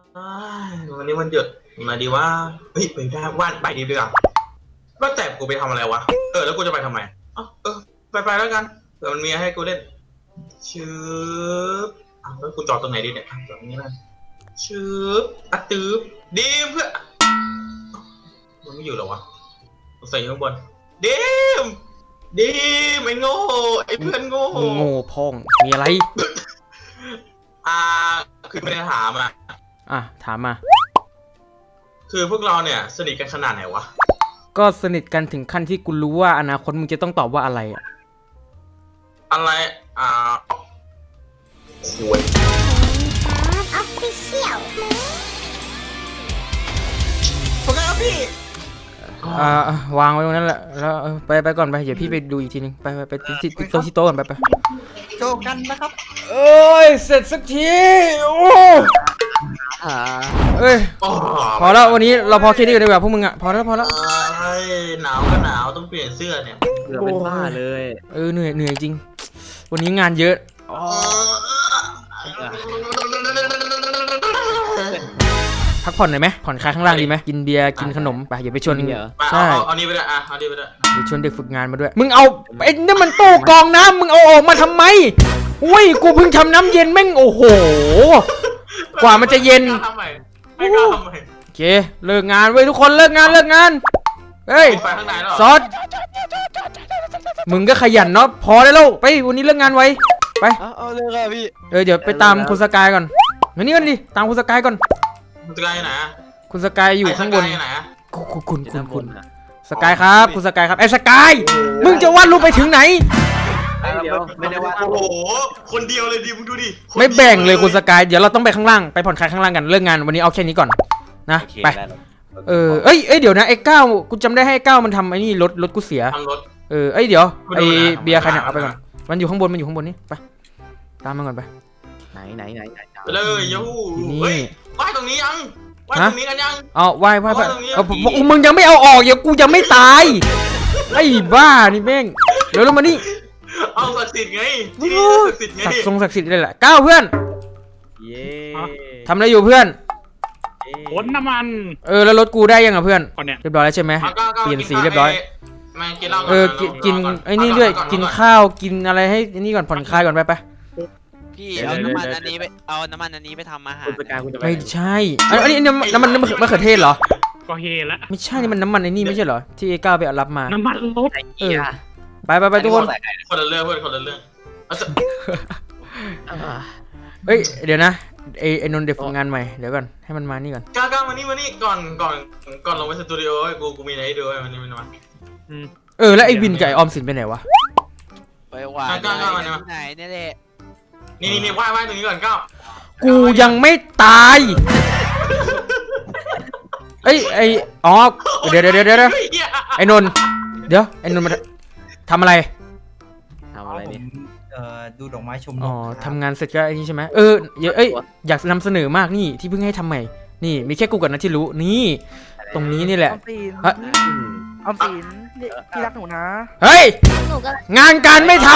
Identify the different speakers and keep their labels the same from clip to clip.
Speaker 1: วันนี้วันหยุดมาดีว่าเฮ้ยไปได้ว่านไปดีดีกว่าว่าแต่กูไปทำอะไรวะแล้วกูจะไปทำไมไปแล้วกันเผื่อมันมีให้กูเล่นชืบแล้วกูจอดตรงไหนดีเนี่ยจอดตรงนี้นะชืบตืบดีมเพื่อมันไม่อยู่หรอวะใส่ข้างบนดีมไอ้โง่ไอ้เพื่อนโง่
Speaker 2: พองมีอะไร
Speaker 1: คือไม่ได้ถาม
Speaker 2: ถามมา
Speaker 1: คือพวกเราเนี่ยสนิทกันขนาดไหนวะ
Speaker 2: ก็สนิทกันถึงขั้นที่กูรู้ว่าอนาคตมึงจะต้องตอบว่าอะไร
Speaker 1: อะไรสวย
Speaker 3: ออฟฟิเชียล
Speaker 1: โอเคครับพี่
Speaker 2: วางไว้ตรงนั้นแหละแล้วไปก่อนไปเดี๋ยวพี่ไปดูอีกทีนึงไปที่โต๊ะก่อนไป
Speaker 4: โจกันนะครับ
Speaker 2: เอ้ยเสร็จสักทีโอ้เอ้ยพอแล้ววันนี้เราพอแค่นี้กันดีกว่าพวกมึงพอแล้ว
Speaker 1: หนาวก็หนาวต้องเปลี่ยนเสื้อเนี่ย
Speaker 4: เกือบเป็นบ้าเลย
Speaker 2: เหนื่อยจริงวันนี้งานเยอะพักผ่อนหน่อยไหมผ่อนคลายข้างล่างดีไหมกินเบียร์กินขนมไปอย่าไปชวน
Speaker 1: ใช่เอานี่ไปด้วยเอานี่ไปด้วย
Speaker 2: เดี๋ยวชวนเด็กฝึกงานมาด้วยมึงเอาไอ้นี่มันตู้กองน้ำมึงเอาออกมาทำไมอุ้ยกูเพิ่งทำน้ำเย็นแม่งโอ้โหกว่ามันจะเย็นโอเคเลิกงานเว้ยทุกคนเลิกงานเฮ้ยซอสมึงก็ขยันเนาะพอได้แล้วไปวันนี้เลิกงานไว้ไป
Speaker 4: เอาเลยครับพี่
Speaker 2: เดี๋ยวไปตามคุณสกายก่อนมานี่กันดิตามคุณสกายก่อน
Speaker 1: คุณสกายไหน
Speaker 2: คุณสกายอยู่ข้างบนคุณสกายครับคุณสกายครับไอ้สกายมึงจะวาดรูปไปถึงไหน
Speaker 4: ไม่ได้วาด
Speaker 1: โอ้โหคนเดียวเลยดิมึงดูดิ
Speaker 2: ไม่แบ่งเลยคุณสกายเดี๋ยวเราต้องไปข้างล่างไปผ่อนคลายข้างล่างกันเลิกงานวันนี้เอาแค่นี้ก่อนนะไปเอ้ยเดี๋ยวนะไอ้ก้าวกูจำได้ให้ก้าวมันทำไอ้นี่รถกูเสียเอ้ยเดี๋ยวไอ้เบียร์ใครเนี่ยเอาไปก่อนมันอยู่ข้างบนนี่ไปตามมันก่อนไป
Speaker 4: ไหน
Speaker 1: ไปเลยยูนี่ไหว้ตรงนี้ยังไหว้ตรงนี้กันยัง
Speaker 2: ไหว้มึงยังไม่เอาออกอย่ากูยังไม่ตายไอ้บ้านี่แม่งเดี๋ยวเรามานี่
Speaker 1: เอาศักดิ์สิทธิ์ไง
Speaker 2: ศักดิ์สิทธิ์เลยแหละก้าวเพื่อนทำอะไรอยู่เพื่อน
Speaker 5: ขนน้ำมัน
Speaker 2: แล้วรถกูได้ยังเพื่อนเรียบร้อยแล้วใช่ไหมเปลี่ยนสีเรียบร้อยกินไอ้นี่ด้วยกินข้าวกินอะไรให้นี่ก่อนผ่อนคลายก่อนไป
Speaker 6: พี่เอาน้ำมันอันนี้ไปทำอาหาร
Speaker 2: ไม่ใช่อันนี้น้ำมันมะเขือเทศเหรอ
Speaker 5: ก็เฮละ
Speaker 2: ไม่ใช่นี่มันน้ำมันไอ้นี่ไม่ใช่เหรอที่ก้าวไปรับมา
Speaker 5: น้ำมันรถ
Speaker 2: ไปทุกคน
Speaker 1: คนละเรื่องเพื่อนคนละเรื่อง
Speaker 2: เฮ้ยเดี๋ยวนะไอ้นนท์เด็กฝึกงานใหม่เดี๋ยวก่อนให้มันมานี่ก่อน
Speaker 1: ก้าวมานี่ก่อนลงไปสตูดิโอกูมีอะไรให้ดูมันนี่มันมา
Speaker 2: แล้วไอ้วินกับไอ้ออมสินไปไหนวะ
Speaker 6: ไปว่าไหนนี่แหละ
Speaker 1: นี่ไหว้ตรงนี้ก่อนก้าว
Speaker 2: กูยังไม่ตายเดี๋ยวไอ้นนท์เดี๋ยวไอ้นนท์มาทำอะไร
Speaker 4: นี่ดูดอกไม้ชม
Speaker 2: ทำงานเสร็จก็ไอ้นี่ใช่ไหมอยากนำเสนอมากนี่ที่เพิ่งให้ทำใหม่นี่มีแค่กูกับนะที่รู้นี่ตรงนี้นี่แหละ
Speaker 7: ออมสินที่รักหนูนะ
Speaker 2: เฮ้ยงานการไม่ทำ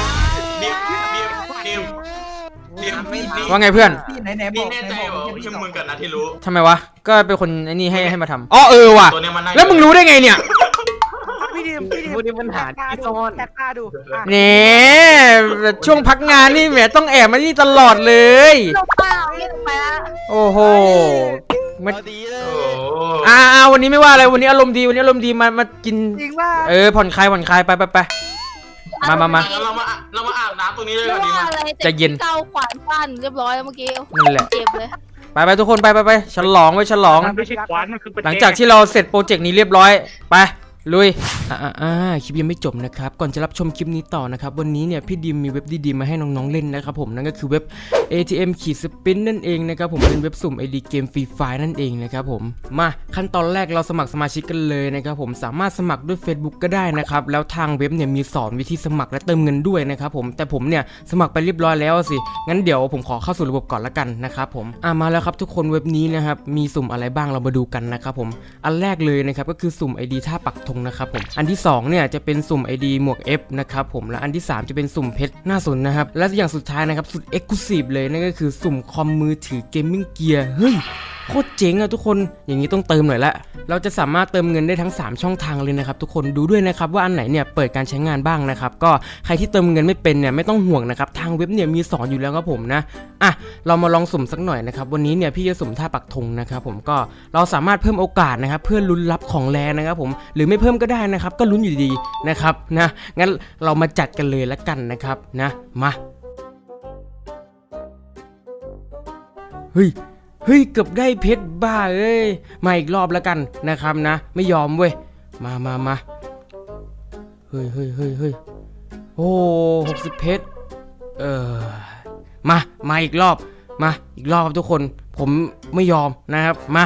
Speaker 2: ว่าไงเพื่อน
Speaker 4: ไหนบอก
Speaker 1: ใช่มึงกันนะที่รู้
Speaker 2: ทำไมวะก็เป็นคนไอ้นี่ให้มาทำว่ะแล้วมึงรู้ได้ไงเนี่ย
Speaker 7: พี่ดิม
Speaker 4: ปัญหาที่ซ่อน
Speaker 7: แท็กตาดู
Speaker 2: เนี่ยช่วงพักงานนี่แหมต้องแอบมานี่ตลอดเลยโอ้โห
Speaker 6: มาดีเลย
Speaker 2: วันนี้ไม่ว่าอะไรวันนี้อารมณ์ดีมากินผ่อนคลายไปมา
Speaker 1: เรามาอาบน้ำตรงนี้เลยดีมั้ย
Speaker 2: จะเย็น
Speaker 3: เก้าขวานฟันเรียบร้อยเมื่อกี้
Speaker 2: นั่นแหละ
Speaker 3: เจ็บเลย
Speaker 2: ไปทุกคนไปฉลอง
Speaker 5: ไม่ใช่ขวานมันคือ
Speaker 2: หลังจากที่เราเสร็จโปรเจกต์นี้เรียบร้อยไปลุยคลิปยังไม่จบนะครับก่อนจะรับชมคลิปนี้ต่อนะครับวันนี้เนี่ยพี่ดิมมีเว็บดีๆมาให้น้องๆเล่นนะครับผมนั่นก็คือเว็บ ATM-Spin นั่นเองนะครับผมเป็นเว็บสุ่ม ID เกมฟรีไฟล์นั่นเองนะครับผมมาขั้นตอนแรกเราสมัครสมาชิกกันเลยนะครับผมสามารถสมัครด้วย Facebook ก็ได้นะครับแล้วทางเว็บเนี่ยมีสอนวิธีสมัครและเติมเงินด้วยนะครับผมแต่ผมเนี่ยสมัครไปเรียบร้อยแล้วสิงั้นเดี๋ยวผมขอเข้าสู่ระบบก่อนละกันนะครับผมมาแล้วครับทุกคนเว็บนี้นะครับมีสุ่มอะไรบ้างเรามาดูกันนะครับผมอันแรกเลยนะครับก็คือสุ่ม ID ท่าปักธธงนะครับผมอันที่2เนี่ยจะเป็นสุ่ม ID หมวก F นะครับผมและอันที่3จะเป็นสุ่มเพชรหน้าสนนะครับและอย่างสุดท้ายนะครับสุด Exclusive เลยนั่นก็คือสุ่มคอมมือถือเกมมิ่งเกียร์เฮ้ยโคตรเจ๋งอะทุกคนอย่างนี้ต้องเติมหน่อยละเราจะสามารถเติมเงินได้ทั้ง3ช่องทางเลยนะครับทุกคนดูด้วยนะครับว่าอันไหนเนี่ยเปิดการใช้งานบ้างนะครับก็ใครที่เติมเงินไม่เป็นเนี่ยไม่ต้องห่วงนะครับทางเว็บเนี่ยมีสอนอยู่แล้วครับผมนะเรามาลองสุ่มสักหน่อยนะครับวันนี้เนี่ยพี่จะสุ่มท่าปักธงนะครับผมก็เราสามารถเพิ่มโอกาสนะครับเพื่อลุ้นรับของแรงนะครับผมหรือไม่เพิ่มก็ได้นะครับก็ลุ้นอยู่ดีนะครับนะงั้นเรามาจัดกันเลยละกันนะครับนะมาเฮ้ยเกือบได้เพชรบ้าเอ้ยมาอีกรอบแล้วกันนะครับนะไม่ยอมเว้ยมาเฮ้ยโอ้60เพชรมาอีกรอบครับทุกคนผมไม่ยอมนะครับมา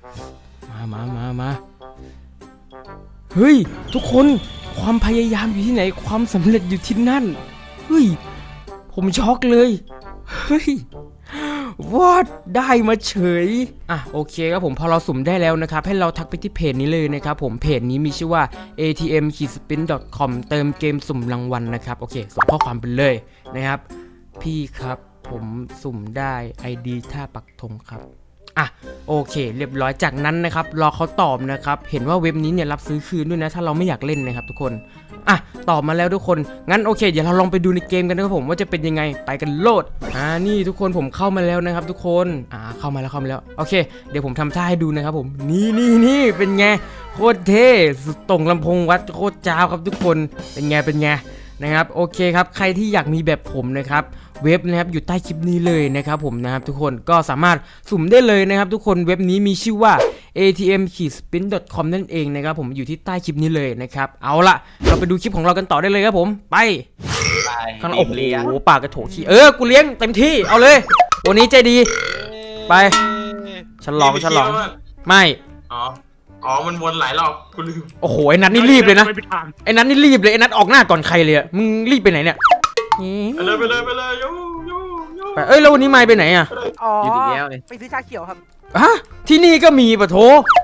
Speaker 2: เฮ้ยทุกคนความพยายามอยู่ที่ไหนความสำเร็จอยู่ที่นั่นเฮ้ยผมช็อกเลยเฮ้ยวอดได้มาเฉยโอเคครับผมพอเราสุ่มได้แล้วนะครับให้เราทักไปที่เพจนี้เลยนะครับผมเพจนี้มีชื่อว่า atm-spin.com เติมเกมสุ่มรางวัลนะครับโอเคส่งข้อความไปเลยนะครับพี่ครับผมสุ่มได้ ID ท่าปักธงครับโอเคเรียบร้อยจากนั้นนะครับรอเขาตอบนะครับเห็นว่าเว็บนี้เนี่ยรับซื้อคืนด้วยนะถ้าเราไม่อยากเล่นนะครับทุกคนตอบมาแล้วทุกคนงั้นโอเคเดี๋ยวเราลองไปดูในเกมกันนะครับผมว่าจะเป็นยังไงไปกันโลดนี่ทุกคนผมเข้ามาแล้วนะครับทุกคนเข้ามาแล้วโอเคเดี๋ยวผมทำท่าให้ดูนะครับผมนี่เป็นไงโคตรเท่สุดตรงลำโพงวัดโคตรจ้าวครับทุกคนเป็นไงนะครับโอเคครับใครที่อยากมีแบบผมนะครับเว็บนะครับอยู่ใต้คลิปนี้เลยนะครับผมนะครับทุกคนก็สามารถสุ่มได้เลยนะครับทุกคนเว็บนี้มีชื่อว่า atm-spin.com นั่นเองนะครับผมอยู่ที่ใต้คลิปนี้เลยนะครับเอาละเราไปดูคลิปของเรากันต่อได้เลยครับผมไปข้างโอ้โหปากกระโถขี้กูเลี้ยงเต็มที่เอาเลยวันนี้ใจดีไปฉลองไม่
Speaker 1: มันวนหลายรอบกูลืม
Speaker 2: โอ้โหไอ้นัทนี่รีบเลยนะไอ้นัทออกหน้าก่อนใครเลยมึงรีบไปไหนเนี่ย
Speaker 1: ไปเลย
Speaker 2: ไปแล้ววันนี้ไม่ไปไหน
Speaker 7: อยู่ดีแล้วเลยไปซื้อชาเขียวครับ
Speaker 2: ที่นี่ก็มีปะโถ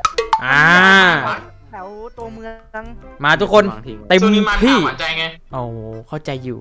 Speaker 7: แถวตัวเมือง
Speaker 2: มาทุกคนเต็มที่เข้าใจอยู่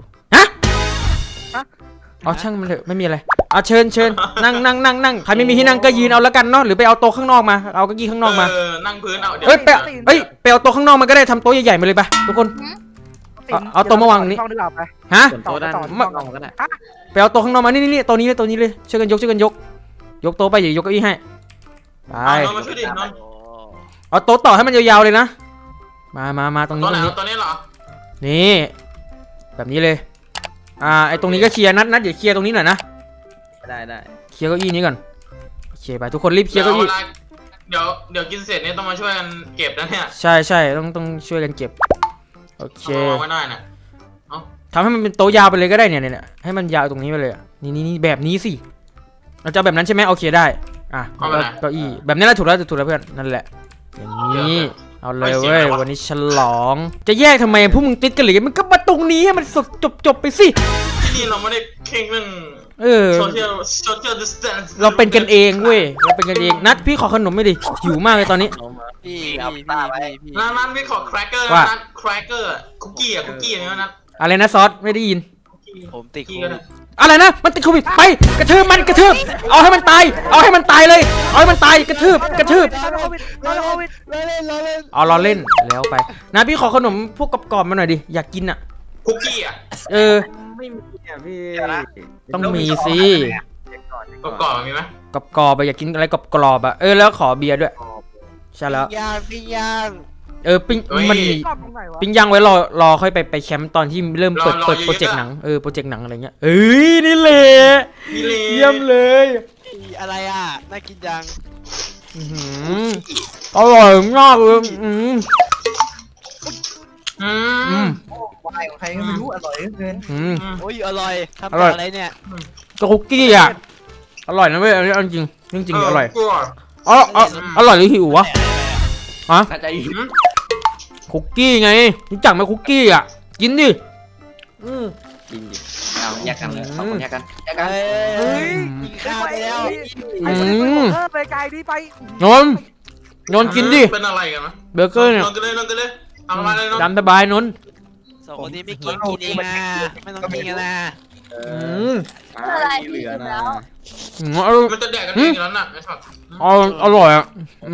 Speaker 2: เอาช่างมันเถอะไม่มีอะไรเอาเชิญนั่งใครไม่มีที่นั่งก็ยืนเอาแล้วกันเนาะหรือไปเอาโต๊ะข้างนอกมาเอาเก้าอี้ข้างนอกมา
Speaker 1: นั่งพื้นเอา
Speaker 2: ไปเอาโต๊ะข้างนอกมาก็ได้ทำโต๊ะใหญ่ๆมาเลยไปทุกคนเอาโต๊ะมาวางนี้ฮะไปเอาโต๊ะข้างนอกมานี่ตัวนี้เลยช่วยกันยกโต๊ะไปอย่ายกเก้าอี้ให้ไปเอาโต๊ะต่อให้มันยาวๆเลยนะมาตรงนี้
Speaker 1: ตัวนี้เหรอ
Speaker 2: นี่แบบนี้เลยไอตรงนี้ก็เคลียร์นัดเดี๋ยวเคลียร์ตรงนี้หน่อยนะ
Speaker 4: ได้
Speaker 2: เคลียร์เก้าอี้นี้ก่อนโอเคไปทุกคนรีบเคลียร์เก้าอี้
Speaker 1: เดี๋ยวกินเสร็จเนี่ยต้องมาช่วยกันเก็บนะเนี่ย
Speaker 2: ใช่ต้องช่วยกันเก็บโอเค
Speaker 1: ไม่ได้นะ
Speaker 2: ทำให้มันเป็นโต๊ะยาวไปเลยก็ได้เนี่ยให้มันยาวตรงนี้ไปเลยนี่แบบนี้สิเราจะแบบนั้นใช่ไหมโอเคได้เก้าอี้แบบนี้แหละถูกแล้วเพื่อนนั่นแหละอย่างนี้เอาเลยเว้ยวันนี้ฉลองจะแยกทำไมพวกมึงติดกันหรือมันก็มาตรงนี้ให้มันจบไปสิ
Speaker 1: ที่นี่เราไม่ได้เข่งเรื่องsocial distance
Speaker 2: เราเป็นกันเองเว้ยเราเป็นกันเองนัดพี่ขอขนมไม่ดิหิวมากเลยตอนนี้
Speaker 6: พี่เอาตาไว้
Speaker 1: นั่นพี่ขอแครกเกอร์นั่นแครกเกอร์คุกกี้อย่างนี้นะ
Speaker 2: อะไรนะซอสไม่ได้ยิน
Speaker 6: ผมติด
Speaker 2: อะไรนะมันติดโควิดไปกระทืบเอาให้มันตายเลยเอาให้มันตายกระทืบเอาเราเล่นแล้วไปนะพี่ขอขนมพวกกรอบๆมาหน่อยดิอยากกิน
Speaker 1: คุกกี้
Speaker 4: ไม่มีพี่
Speaker 2: ต้องมีสิ
Speaker 1: กรอบมีไหม
Speaker 2: กรอบอยากกินอะไรกรอบแล้วขอเบียร์ด้วยใช่แล้ว
Speaker 6: ปิ้งย่าง
Speaker 2: ปิ้งมันมีปิ้งย่างไว้รอค่อยไปแคมป์ตอนที่เริ่มเปิดโปรเจกต์หนังโปรเจกต์หนังอะไรเงี้ยนี่แหละเยี่ยมเลย
Speaker 6: อะไรน่ากินจัง
Speaker 2: อร่อยมากเลยว
Speaker 4: ายของใครก็ไม่รู้อร่อยเกิน
Speaker 6: โอ้ยอร่อยทำอะไรเนี่ย
Speaker 2: คุกกี้อร่อยนะเว้ยอันนี้จริงอร่อยอร่อยหรือหิววะคุกกี้ไงรู้จักไหมคุกกี้กินดิ
Speaker 4: กินดิเอาแยกกันเลยสองคนแยกกัน
Speaker 6: กินข้าวไปแล้ว
Speaker 7: ไปไกลดิไป
Speaker 2: นอนกินดิ
Speaker 1: เป็นอะไรกันนะ
Speaker 2: เบอร์เกอร์เนี่ย
Speaker 1: นอนกันเลยเอามาเลยเนาะ
Speaker 2: ตามสบายนนท์
Speaker 6: สองคนนี้ไม่กินกินเองอ่ะไม่ต้องกินกันนะ
Speaker 3: อะไร
Speaker 8: เหลือนะ
Speaker 1: มันจะแดกกันเองแล้วน่ะไอ้สัตว์
Speaker 2: อร่อยอ่ะ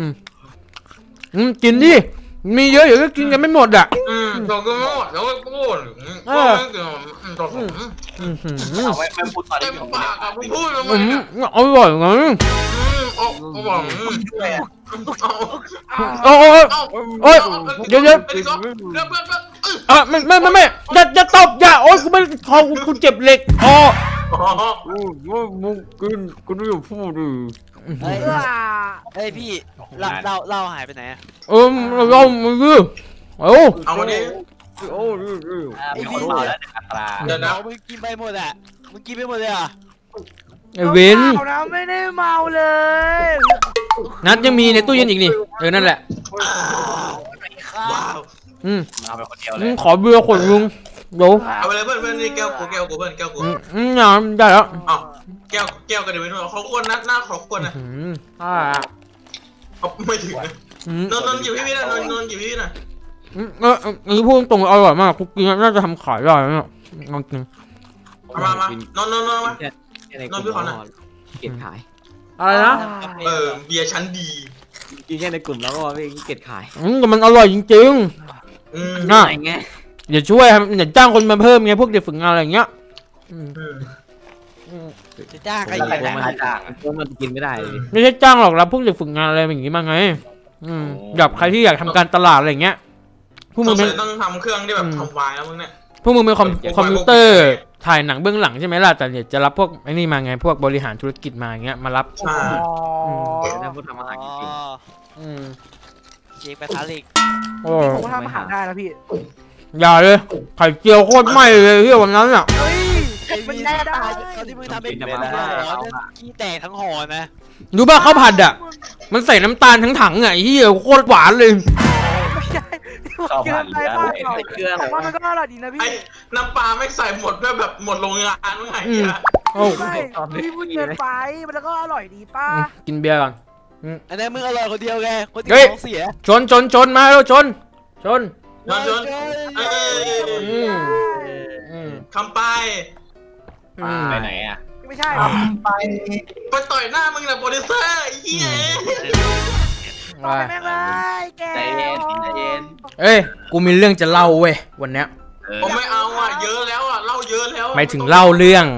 Speaker 2: กินดิมีเยอะเดี๋ยวก็กินกันไม่หมดอ่ะ
Speaker 1: เราก็ไม่หมดแล้วก็พูดต่อผม
Speaker 8: เอาไว้ไม่พูดตอน
Speaker 1: เต็
Speaker 8: นี้
Speaker 1: มปากอะมึงพูดทำไม
Speaker 2: อร่อยไง
Speaker 1: เอาบอก
Speaker 8: ด้วยอ่ะ
Speaker 2: โอ้ยเดี๋ยว
Speaker 1: เพื่อน
Speaker 2: ไม่อย่าตบอย่าโอ้ยกูไม่คอกูเจ็บเหล็กอ๋อ
Speaker 8: มึงกูไม่อยู่พูดดิ
Speaker 6: เฮ้ยเฮ้ยพี่เราหายไปไหนอ่ะ
Speaker 2: เรามือเอา
Speaker 1: เอาวันนี้
Speaker 8: โอ้ยมีคนเมาแล้วอัตรา
Speaker 1: เดี๋ยวนะ
Speaker 6: มึงกินไปหมดอ่ะมึงกินไปหมดเลยอ่ะ
Speaker 2: ไอเว้น
Speaker 7: เมานะไม่ได้เมาเลย
Speaker 2: นัดยังมีในตู้เย็นอีกนี่นั่นแหละ
Speaker 1: ว้าว
Speaker 8: เอาไปคนเดียวเลย
Speaker 2: ขอเบียร์ขวดนึงเดี๋ยว
Speaker 1: เอาไปเลยเพื่อนนี่แก้วกูเพื่อนแก้วกู
Speaker 2: งานได้แล้ว
Speaker 1: อ๋อแก้วกันเดี๋ยวไปนู่นเขาควรนัดหน้าเขาควรนะเขาไม่ถึงนนหยิบพี่นะนนหยิบพี่นะ
Speaker 2: นี่พูดตรงอร่อยมากคุกกี้น่าจะทำขายได้เนี่ยลองกิน
Speaker 1: มานนมา
Speaker 8: นอนพี่ขอหน่อยเก็บขาย
Speaker 2: อะไรนะ
Speaker 1: เบียร์ชั้นดี
Speaker 8: กินแค่ในกลุ่มแล้วก็ไม่เก็บขาย
Speaker 2: แต่มันอร่อยจริง
Speaker 8: น่าไง
Speaker 2: ๆอย่าช่วยอย่าจ้างคนมาเพิ่มไงพวกเด็กฝึกงานอะไรอย่างเงี้ย
Speaker 6: จะจ้างใคร
Speaker 8: ใคร
Speaker 6: อีก
Speaker 8: แต่งมาจ้างพวกมันกินไม่ได้เลย
Speaker 2: ไม่ใช่จ้างหรอกรับพวกเด็กฝึกงานอะไรอย่างงี้มาไงแบบใครที่อยากทำการตลาดอะไรอย่างเงี้ยพวกมึงเป็น
Speaker 1: ต้องทำเครื่องที่แบบทำวายแล้วมึงเนี่ย
Speaker 2: พวกมึงเป็นคอมพิวเตอร์ถ่ายหนังเบื้องหลังใช่ไหมล่ะแต่เนี่ยจะรับพวกไอ้นี่มาไงพวกบริหารธุรกิจมาอย่างเงี้ยมารับ
Speaker 1: ใช่
Speaker 8: แล้วพวกทำอาหาร
Speaker 6: อ๋อ
Speaker 8: กิน
Speaker 6: เช็คไปทาลิก
Speaker 2: โอ้
Speaker 7: ผมก็ทำอาหารได้นะพี่
Speaker 2: อย่าเลยไข่เจียวโคตรไหม้เลยเฮียวันนั้นอ่ะ
Speaker 7: เฮ้ย
Speaker 6: ไอ้
Speaker 7: มัน
Speaker 6: วิน
Speaker 7: ได้
Speaker 6: เขาที่มึงทำเป็นห่อขี้แตกทั้งห่อนะ
Speaker 2: รู้ป่ะข้าวผัดอ่ะมันใส่น้ำตาลทั้งถังอ่ะไอ้เฮียโคตรหวานเลย
Speaker 7: ไม่ใช่เกินไปมากแต่ว่ามันก็อร่อยดีนะพี่
Speaker 1: ไอ้น้ำปลาไม่ใส่หมดแบบหมดโรงงานเมื่อไง
Speaker 2: โอ้
Speaker 7: ใช่พี่พูดเกินไปมันก็อร่อยดีป้า
Speaker 2: กินเบียร์ก่อน
Speaker 6: อันนั้นมึงอร่อยคนเดียวไงคนที่ท้องเสีย
Speaker 2: ชนมาแล้วชน
Speaker 1: นอนคำไป
Speaker 8: ไปไหนอ่ะ
Speaker 7: ไม่ใช่
Speaker 1: ไปต่อยหน้ามึงนะโปรดิวเซอร์ไอ้เหี้ย
Speaker 7: ต่อยแม่งเลยแก
Speaker 8: ใจเย็นใจเย็น
Speaker 2: เอ้ยกูมีเรื่องจะเล่าเว้ยวันเนี้ย
Speaker 1: ผมไม่เอาอ่ะเยอะแล้วอ่ะเล่าเยอะแล้ว
Speaker 2: หมายถึงเล่าเรื่อง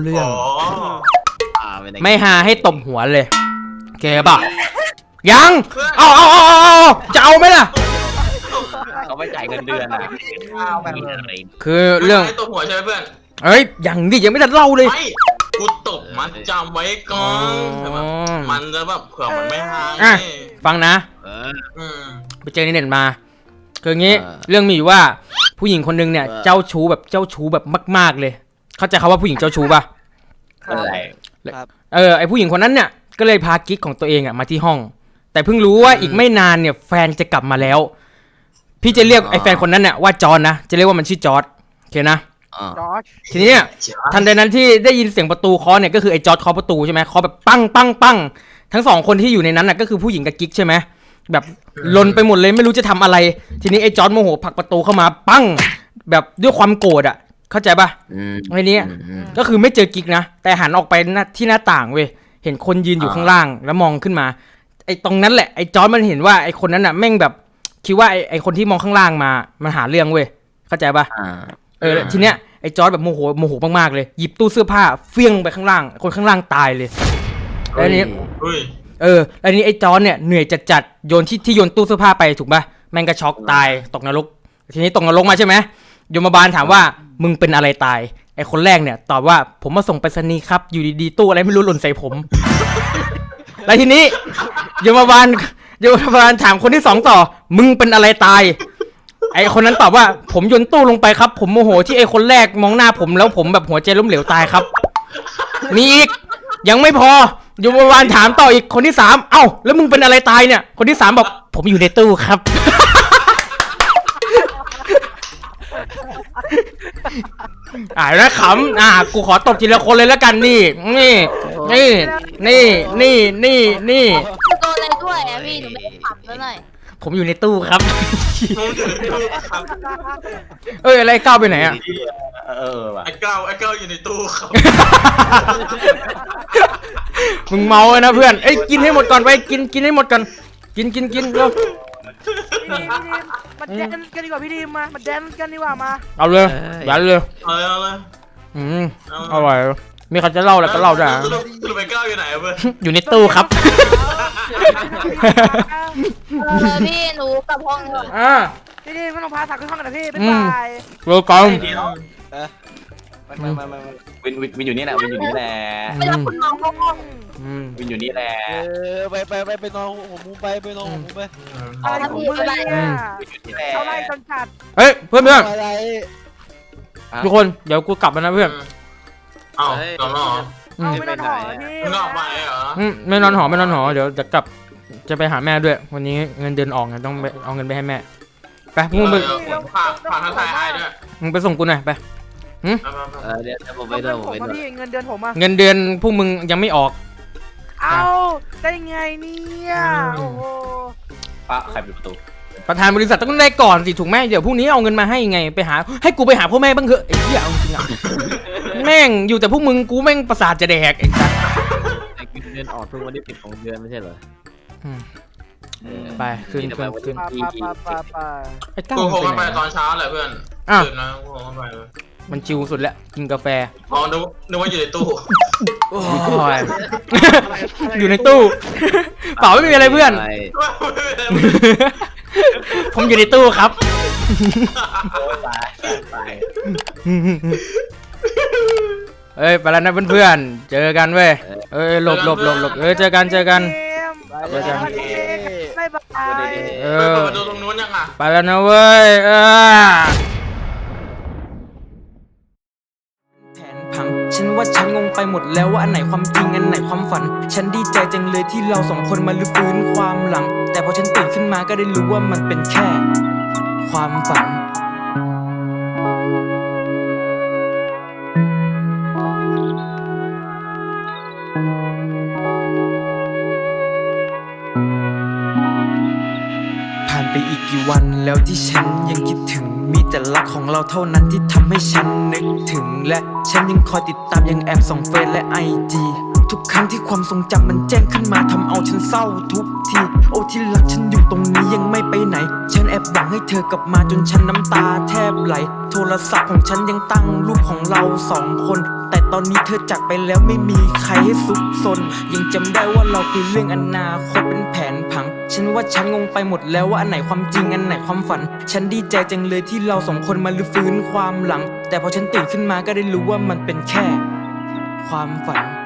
Speaker 2: ไม่หาให้ตบหัวเลยแกป่ะยังเอาจะเอาไหมล่ะ
Speaker 8: เขาไม่จ่ายเงินเดือนอ่ะ
Speaker 2: คือเรื่อง
Speaker 1: ตัวหัวใช่ไหมเพื่อน
Speaker 2: เอ้ยยังดิยังไม่ทันเล่าเลย
Speaker 1: ไม่กูตบมันจำไว้ก่อนมันจะแบบเผื่อมันไม่หาย
Speaker 2: ฟังนะ ไปเจอในเน็ตมาคืออย่างงี้เรื่องมีอยู่ว่าผู้หญิงคนนึงเนี่ยเจ้าชู้แบบมากๆเลย เข้าใจคำว่าผู้หญิงเจ้าชู้ป่ะ
Speaker 8: อะไร
Speaker 2: ไอผู้หญิงคนนั้นเนี่ยก็เลยพากิ๊กของตัวเองอ่ะมาที่ห้อง แต่เพิ่งรู้ว่าอีกไม่นานเนี่ยแฟนจะกลับมาแล้ว พี่จะเรียกไอแฟนคนนั้นเนี่ยว่าจอร์จนะจะเรียกว่ามันชื่อจอร์จโอเคนะ
Speaker 7: จอร์จ
Speaker 2: ทีนี้เนี่ยทันใดนั้นที่ได้ยินเสียงประตูเคาะเนี่ยก็คือไอจอร์จเคาะประตูใช่ไหมเคาะแบบปังทั้งสองคนที่อยู่ในนั้นน่ะก็คือผู้หญิงกับกิ๊กใช่ไหมแบบลนไปหมดเลยไม่รู้จะทำอะไร ทีนี้ไอจอร์จโมโหผลักประตูเข้ามาปังแบบด้วยความโกรธอ่ะเข้าใจป่ะไอ้นี้ก็คือไม่เจอกิ๊กนะแต่หันออกไปที่หน้าต่างเว้ยเห็นคนยืนอยู่ข้างล่างแล้วมองขึ้นมาไอตรงนั้นแหละไอจอร์จมันเห็นว่าไอคนนั้นน่ะแม่งแบบคิดว่าไอคนที่มองข้างล่างมามันหาเรื่องเว้ยเข้าใจป่ะทีเนี้ยไอ้จอร์จแบบโมโหมากๆเลยหยิบตู้เสื้อผ้าเฟี้ยงไปข้างล่างคนข้างล่างตายเลยแล้วนี้แล้วนี้ไอ้จอร์จเนี่ยเหนื่อยจัดโยนที่โยนตู้เสื้อผ้าไปถูกป่ะแม่งก็ช็อกตายตกนรกทีนี้ตกนรกมาใช่ไหมยมบาลถามว่ามึงเป็นอะไรตายไอ้คนแรกเนี่ยตอบว่าผมมาส่งไปรษณีย์ครับอยู่ดีๆตู้อะไรไม่รู้หล่นใส่ผม แล้วทีนี้ยมบาลถามคนที่สองต่อมึงเป็นอะไรตายไอคนนั้นตอบว่าผมโยนตู้ลงไปครับผมโมโหที่ไอคนแรกมองหน้าผมแล้วผมแบบหัวใจล้มเหลวตายครับมีอีกยังไม่พอโยมบาลถามต่ออีกคนที่สามเอ้าแล้วมึงเป็นอะไรตายเนี่ยคนที่สามบอกผมอยู่ในตู้ครับ แล้วขำกูขอตบทีละคนเลยแล้วกันนี่
Speaker 3: โดนอะไรด้วยอ่ะพี่หนูไม่ได้ขับแล้วหน่อย
Speaker 2: ผมอยู่ในตู้ครับ
Speaker 1: มึงอยู่ในตู้ครับ
Speaker 2: เอ้ยอะไรก้าวไปไหนอ่ะ
Speaker 8: ว่ะ
Speaker 1: ไอ้เก้าอยู่ในตู้ครับ
Speaker 2: มึงเมาเลยนะเพื่อนเอ้ยกินให้หมดก่อนไปกินให้หมดก่อนกินเร็ว
Speaker 7: พี่ดีมมาแดนกันดีกว่าพี่ดีมมาแดนกันดีกว่ามา
Speaker 2: เอาเลยยันเลย
Speaker 1: เอาเลย
Speaker 2: อร่อยมีใครจะเล่าอะไรก็เล่าได้
Speaker 1: สรุปไอ้เก้าอยู่ไหนอะเพื่อน
Speaker 2: อยู่ในตู้ครับ
Speaker 3: พี่หนูกลับห้องก่อน
Speaker 7: พี่ดีมไม่ต้องพาสักขึ้นห้องกันนะพี่บ๊ายบาย
Speaker 2: เร็วก่อน
Speaker 8: วินอยู่นี่แหละวินอยู่นี่แหละ
Speaker 3: ไม่รับคุณน้องเข้าห้อง
Speaker 8: วินอยู่นี่แหละ
Speaker 6: ไปนอนหัวมุมไปนอนหัวมุมไป
Speaker 7: อะไรของมึงเนี่ย
Speaker 8: นี่แหละ
Speaker 7: เอาไล่จนจัด
Speaker 2: เฮ้ยเพื่อน
Speaker 6: อะไร
Speaker 2: ทุกคนเดี๋ยวกูกลับแล้วนะเพื่อน
Speaker 1: เอาตอนนอน
Speaker 7: เอาไม่ต้องถอพี่
Speaker 1: มึงออกไปเหรอ
Speaker 2: ไม่นอนหอเดี๋ยวจะกลับจะไปหาแม่ด้วย วันนี้เงินเดือนออกไงต้องไปเอาเงินไปให้แม่ไปมึงไป
Speaker 1: ผ่านทางไทยไอ้ด้วย
Speaker 2: มึงไปส่งกูหน่อยไป
Speaker 6: เดี๋ยวผมไป
Speaker 7: เงิ
Speaker 6: ด้วย
Speaker 7: น
Speaker 6: ผม
Speaker 7: ผม
Speaker 6: ไป
Speaker 7: มา
Speaker 6: ด้วย
Speaker 7: พี่เงินเดือนผมมา
Speaker 2: เงินเดือนพวกมึงยังไม่ออก
Speaker 7: เอาได้ไงเนี่ยโอ้โห
Speaker 8: ป้าใครปิดประตู
Speaker 2: ประธานบริษัทต้องได้ก่อนสิถูกไหมเดี๋ยวพรุ่งนี้เอาเงินมาให้ไงไปหาให้กูไปหาพ่อแม่บ้างเถอะไอ้เหี้ยเอาจริงอ่ะแม่งอยู่แต่พวกมึงกูแม่งประสาทจะแดกไอ้สัส
Speaker 6: เดือนออกเพิ่งวันที่10ของเดือนไม่ใช่เหรอ
Speaker 2: ไปขึ้น
Speaker 7: ปา
Speaker 2: ไอ้ตั้ง
Speaker 1: กู
Speaker 2: มัน
Speaker 1: โทร
Speaker 2: ไป
Speaker 1: กัน
Speaker 2: ไห
Speaker 1: ไป
Speaker 2: น
Speaker 1: ตอนเช้าแหละเพื่อน
Speaker 2: อ้าว
Speaker 1: ตื่นนะกูโทรกันไปเลย
Speaker 2: มันชิวสุดแล้วกินกาแฟ
Speaker 1: อ๋อนึกว่าอยู่ในตู้
Speaker 2: โอ้ยอยู่ในตู้เปล่าไม่มีอะไรเพื่อน ผมอยู่ในตู้ครับ
Speaker 8: ตาย
Speaker 2: เอ้ยไปแล้วนะเพื่อนๆเจอกันเว้ยเอ้ยหลบเอ้ยเจอกัน
Speaker 7: เจอกันบ๊ายบาย
Speaker 2: เอ
Speaker 1: เปิด
Speaker 2: อ
Speaker 1: ประตูตรงนู้นยังอ่ะ
Speaker 2: ไปแล้วนะเว้ยแผนพังฉันว่าฉันงงไปหมดแล้วว่าอันไหนความจริงอันไหนความฝัน ฉันดีใจจังเลยที่เราสองคนมาลื้อฟื้นความหลัง แต่พอฉันตื่นขึ้นมาก็ได้รู้ว่ามันเป็นแค่ความฝันผ่านไปอีกกี่วันแล้วที่ฉันยังคิดถึงมีแต่รักของเราเท่านั้นที่ทำให้ฉันนึกถึงและฉันยังคอยติดตามยังแอบส่องเฟซและ IG ทุกครั้งที่ความทรงจำมันแจ้งขึ้นมาทำเอาฉันเศร้าทุกทีโอ้ที่รักฉันอยู่ตรงนี้ยังไม่ไปไหนฉันแอบหวังให้เธอกลับมาจนฉันน้ำตาแทบไหลโทรศัพท์ของฉันยังตั้งรูปของเราสองคนแต่ตอนนี้เธอจากไปแล้วไม่มีใครให้ซุกซนยังจำได้ว่าเราคุยเรื่องอนาคตเป็นแผนผังฉันว่าฉันงงไปหมดแล้วว่าอันไหนความจริงอันไหนความฝันฉันดีใจจังเลยที่เราสองคนมาลื้อฟื้นความหลังแต่พอฉันตื่นขึ้นมาก็ได้รู้ว่ามันเป็นแค่ความฝัน